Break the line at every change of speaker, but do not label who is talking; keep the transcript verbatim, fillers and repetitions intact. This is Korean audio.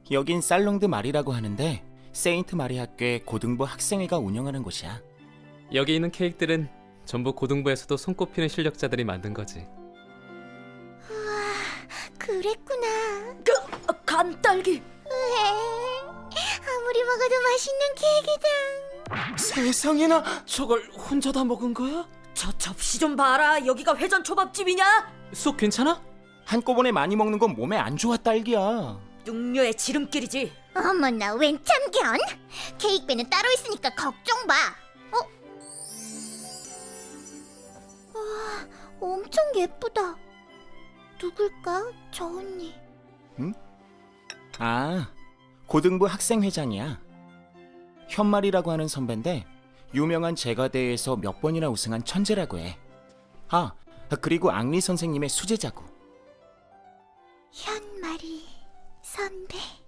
여긴 살롱드 마리라고 하는데 세인트 마리 학교의 고등부 학생회가 운영하는 곳이야.
여기 있는 케이크들은 전부 고등부에서도 손꼽히는 실력자들이 만든 거지.
우와, 그랬구나.
그, 간딸기.
으에, 아무리 먹어도 맛있는 케이크다.
세상에나, 저걸 혼자 다 먹은 거야?
저 접시 좀 봐라. 여기가 회전 초밥집이냐?
쑥 괜찮아?
한꺼번에 많이 먹는 건 몸에 안 좋아, 딸기야.
육녀의 지름길이지.
어머나, 웬 참견? 케이크배는 따로 있으니까 걱정 마. 어? 와, 엄청 예쁘다. 누굴까, 저 언니?
아, 고등부 학생회장이야. 현말이라고 하는 선배인데 유명한 제과대회에서 몇 번이나 우승한 천재라고 해. 아, 그리고 앙리 선생님의 수제자고.
현마리 선배.